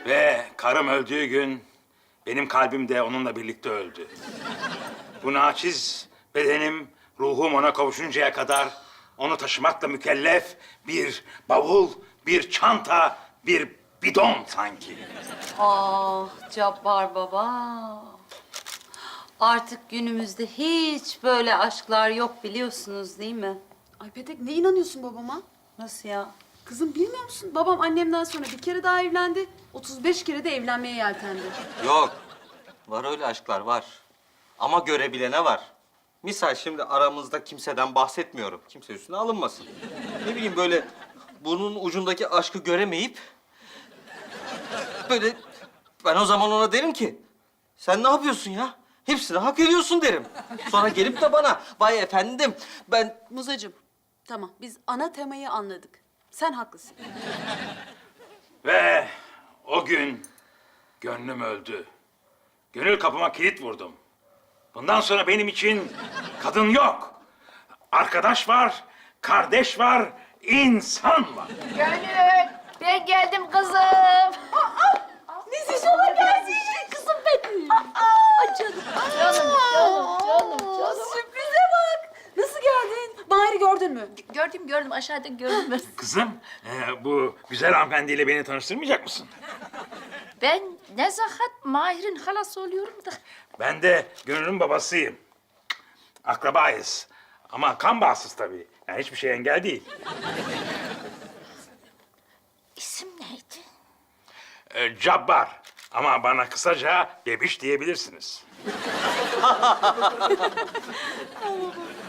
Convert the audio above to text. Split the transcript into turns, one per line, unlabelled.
Ve karım öldüğü gün benim kalbim de onunla birlikte öldü. Bu naçiz bedenim, ruhum ona kavuşuncaya kadar onu taşımakla mükellef bir bavul, bir çanta, bir bidon sanki.
Ah Cabbar baba. Artık günümüzde hiç böyle aşklar yok biliyorsunuz değil mi?
Ay Petek ne inanıyorsun babama?
Nasıl ya?
Kızım bilmiyor musun? Babam annemden sonra bir kere daha evlendi. 35 kere de evlenmeye yeltendi.
Yok. Var öyle aşklar var. Ama görebilene var. Misal şimdi aramızda kimseden bahsetmiyorum. Kimse üstüne alınmasın. Ne bileyim böyle burnun ucundaki aşkı göremeyip... böyle ben o zaman ona derim ki... Sen ne yapıyorsun ya? Hepsini hak ediyorsun derim. Sonra gelip de bana vay efendim ben...
Muzacığım, tamam biz ana temayı anladık. Sen haklısın.
Ve o gün gönlüm öldü. Gönül kapıma kilit vurdum. Bundan sonra benim için kadın yok. Arkadaş var, kardeş var, insan var.
Gönül, ben geldim kızım.
Nesiş ola gelsin kızım benim.
Canım, canım.
Sürprize bak. Nasıl geldin? Mahir'i gördün mü?
Gördüm aşağıda gördüm.
Kızım, bu güzel hanımefendiyle beni tanıştırmayacak mısın?
Ben Nezahat Mahir'in halası oluyorum da.
Ben de Gönül'ün babasıyım. Akrabayız. Ama kan bağımsız tabii. Yani hiçbir şey engel değil.
İsim neydi?
Cabbar. Ama bana kısaca bebiş diyebilirsiniz.